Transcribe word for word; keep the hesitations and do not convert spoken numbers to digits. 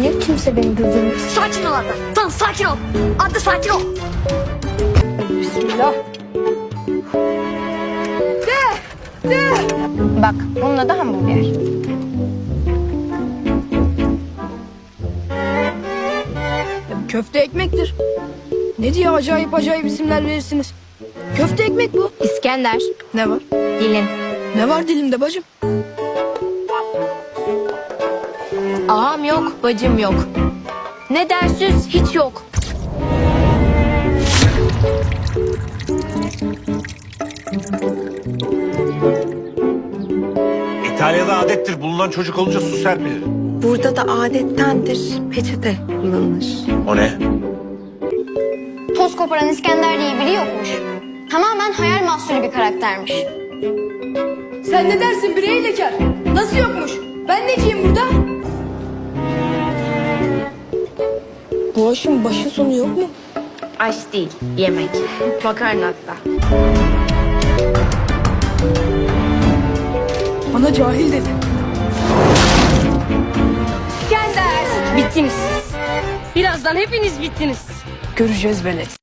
Niye kimse beni durdurmuyor? Sakin ol Arda. Tamam sakin ol. Arda sakin ol. Bismillah. De! De! Bak bunun adı hamburger. Köfte ekmektir. Ne diye acayip acayip isimler verirsiniz? Köfte ekmek bu. İskender. Ne var? Dilin. Ne var dilimde bacım? Ağam yok, bacım yok. Ne dersiz hiç yok. İtalya'da adettir bulunan çocuk olunca su serpilir. Burada da adettendir peçete kullanılır. O ne? Toz koparan İskender diye biri yokmuş. Tamamen hayal mahsulü bir karaktermiş. Sen ne dersin birey lekar? Nasıl yokmuş? Ben neciyim burada? Bu aşın başı sonu yok mu? Aş değil, yemek. Makarna hatta. Bana cahil dedi. İskender! Bittiniz siz. Birazdan hepiniz bittiniz. Göreceğiz velet.